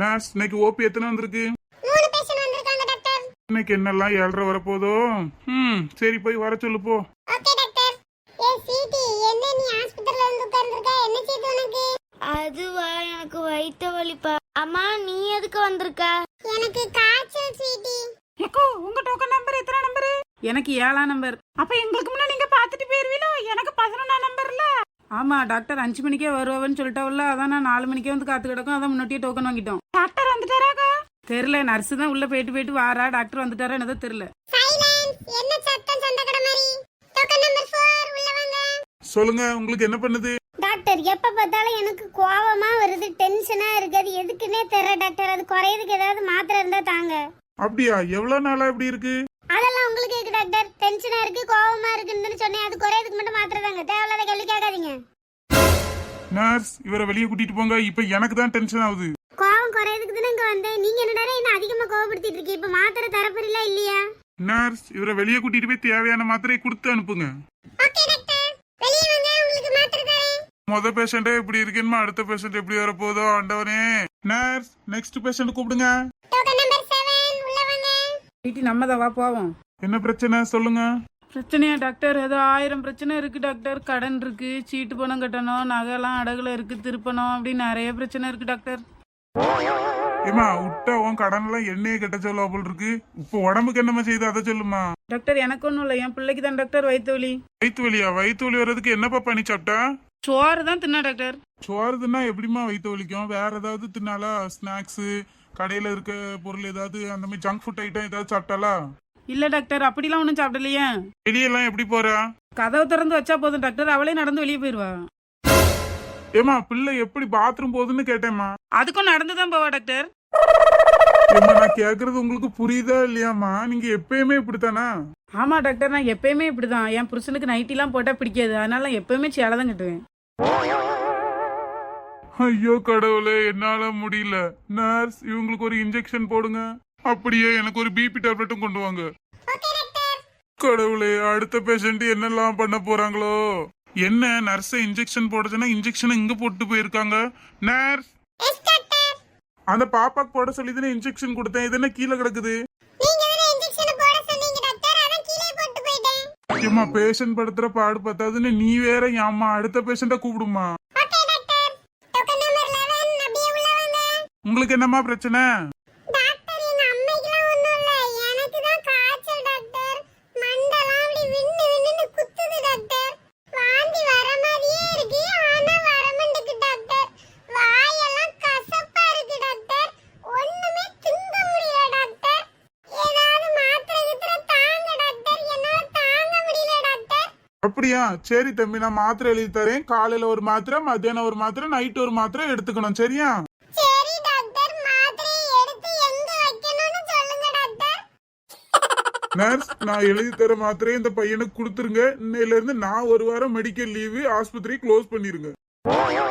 Nurse, இன்னைக்கு OP எத்தனை வந்திருக்கு? 3 பேஷண்ட் வந்திருக்காங்க டாக்டர். இன்னைக்கு என்னெல்லாம் 7:30 வரப்போதோ? சரி, போய் வர சொல்லு போ. Okay doctor. சிடி, என்ன நீ ஹாஸ்பிடல்ல வந்து உட்கார்ந்திருக்க? என்ன செய்து உனக்கு? அதுவா, எனக்கு வயிற்று வலிப்பா. அம்மா, நீ எதுக்கு வந்திருக்க? எனக்கு காய்ச்சல் சிடி. ஏக்கோ, உங்க டோக்கன் நம்பர் எத்தனை நம்பர்? எனக்கு 7ஆம் நம்பர். அப்ப எங்களுக்கு முன்னாடி நீங்க பாத்துட்டு போயிருவீங்களோ? எனக்கு 11ஆம் நம்பர்ல. ஆமா, டாக்டர் 5 மணிக்கே வருவான்னு சொல்லிட்டாவில்ல, அதான் நான் 4 மணிக்கே வந்து காத்து கிடக்கும், அதான் முன்னாடியே டோக்கன் வாங்கிட்டோம். டாக்டர் வந்துட்டாராக்கா? தெரியல, நர்ஸ் தான் உள்ள போயிட்டு வாரா. டாக்டர் வந்துட்டாரா என்னதோ தெரியல. சைலன்ஸ். என்ன சத்தம் சண்டகட மாதிரி? டோக்கன் நம்பர் 4 உள்ள வாங்க. சொல்லுங்க, உங்களுக்கு என்ன பண்ணுது? டாக்டர், எப்ப பார்த்தாலும் எனக்கு கோவமா வருது, டென்ஷனா இருக்கு. அது எதுக்குன்னே தெரியல டாக்டர். அது குறையதுக்கு ஏதாவது மாத்திரை இருந்தா தாங்க. அப்படியா? எவ்வளவு நாளா இப்படி இருக்கு? அதெல்லாம் உங்களுக்கு இருக்கு டாக்டர். டென்ஷனா இருக்கு, கோவமா இருக்குன்னு சொன்னேன். அது குறையதுக்கு மட்டும் மாத்திரை தாங்க. தேவையில்லாத கேள்வி கேட்காதீங்க. நர்ஸ், இவரை வெளியே கூட்டிட்டு போங்க. இப்ப எனக்கு தான் டென்ஷன் ஆகுது. கோவம் குறையதுக்கு தானே இங்க வந்தேன். நீங்க என்னடா என்ன அதிகமா கோவப்படுத்திட்டு இருக்கீங்க? இப்ப மாத்திரை தரப்பறில இல்லையா? நர்ஸ், இவரை வெளியே கூட்டிட்டு போய் தேவையான மாத்திரையை கொடுத்து அனுப்புங்க. ஓகே டாக்டர், வெளிய வாங்க, உங்களுக்கு மாத்திரை தரேன். முத பேஷண்டே இப்படி இருக்குமா, அடுத்த பேஷண்ட் எப்படி வரப்போதோ ஆண்டவனே. நர்ஸ், நெக்ஸ்ட் பேஷண்ட் கூப்பிடுங்க. டோக்கன் நம்பர் 7 உள்ள வாங்க. வீட்டு நம்ம தான், வா போவோம். என்ன பிரச்சனை சொல்லுங்க. பிரச்சனையா டாக்டர்? ஏதோ 1000 பிரச்சனை இருக்கு டாக்டர். கடன் இருக்கு, சீட்டு பணம் கட்டணும், நகைலாம் அடகுல இருக்கு, திருப்பணும், அப்படி நிறைய பிரச்சனை இருக்கு டாக்டர். ஏமா, விட்டா உன் கடன் எல்லாம் எண்ணெயை கட்ட சொல்ல போல் இருக்கு. இப்போ உடம்புக்கு என்னமா செய்யுது அதை சொல்லுமா. டாக்டர், எனக்கு ஒன்றும் இல்லை, என் பிள்ளைக்கு தான் டாக்டர் வயிற்று வலி. வயிற்று வலியா? வயிற்று வலி வர்றதுக்கு என்னப்பா பண்ணி சாப்பிட்டா? சோறு தான் தின்னா டாக்டர். சோறு தின்னா எப்படிமா வயிற்று வலிக்கும்? வேற ஏதாவது தின்னாலா? ஸ்நாக்ஸ், கடையில இருக்க பொருள் ஏதாவது, அந்த மாதிரி ஜங்க் ஃபுட் ஐட்டம் ஏதாவது சாப்பிட்டாலா? இல்ல டாக்டர், அப்படிலாம் ஒன்றும் சாப்பிடலையே. வெளியெல்லாம் எப்படி போறா? கதவு திறந்து வச்சா போதும் டாக்டர், அவளே நடந்து வெளியே போயிருவா. ஏமா, பிள்ளை எப்படி பாத்ரூம் போகுதுன்னு கேட்டேம்மா. அதுக்கும் நடந்து தான் போவா டாக்டர். ஏமா, நான் கேக்குறது உங்களுக்கு புரியுதா இல்லையாமா? நீங்க எப்பயுமே இப்படித்தானா? ஆமா டாக்டர், நான் எப்பயுமே இப்படிதான். என் புருஷனுக்கு நைட்டிலாம் போட்டா பிடிக்காது, அதனால நான் எப்பயுமே சேலை தான் கட்டுவேன். ஐயோ கடவுளே, என்னால முடியல. நர்ஸ், இவங்களுக்கு ஒரு இன்ஜெக்ஷன் போடுங்க. அப்படியே எனக்கு ஒரு பிபி டேப்லெட்டும் கொண்டு வாங்க. கடவுளே, அடுத்த பேஷண்ட் என்னெல்லாம் பண்ண போறாங்களோ. என்ன நர்ஸை இன்ஜெக்ஷன் போட சொன்னா இன்ஜெக்ஷன் இங்க போட்டு போயிருக்காங்க. நர்ஸ், அந்த பாப்பாக்கு போட சொல்லி தானே இன்ஜெக்ஷன் கொடுத்தேன். இது என்ன கீழே கிடக்குது? நீங்க தான இன்ஜெக்ஷன் போட சொன்னீங்க டாக்டர், அதான் கீழே போட்டு போய்ட்டேன். ஏமா, பேஷண்ட் படுத்துற பாடு பத்தாதுன்னு நீ வேற ஏம்மா அடுத்த பேஷண்ட கூப்பிடுமா. Okay doctor. டோக்கன் நம்பர் 11 அப்படியே உள்ள வாங்க. உங்களுக்கு என்னம்மா பிரச்சனை? டாக்டர், எங்க அம்மைக்குலாம் ஒண்ணும் இல்ல. எனக்கு தான் காய்ச்சல் டாக்டர். மண்டலாம் அப்படி விண்ணு விண்ணுன்னு குத்துது டாக்டர். வாந்தி வர மாதிரியே இருக்கு, ஆனா வர மாட்டேங்குது டாக்டர். வாயெல்லாம் கசப்பா இருக்கு டாக்டர். ஒண்ணுமே திங்க முடியல டாக்டர். ஏதாவது மாத்திரை கித்திரை தாங்க டாக்டர், என்னால தாங்க முடியல டாக்டர். அப்படியா? சரி தம்பி, நான் மாத்திரை எழுதி தரேன். காலையில ஒரு மாத்திரை, மத்தியானம் ஒரு மாத்திரை, நைட் ஒரு மாத்திரை எடுத்துக்கணும். சரியா? சரி டாக்டர், மாத்திரையை எடுத்து எங்க வைக்கணும்னு சொல்லுங்க டாக்டர். நர்ஸ், நான் எழுதி தர மாத்திரையை இந்த பையனுக்கு கொடுத்துருங்க. இன்னையில இருந்து நான் ஒரு வாரம் மெடிக்கல் லீவு, ஆஸ்பத்திரி க்ளோஸ் பண்ணிருங்க.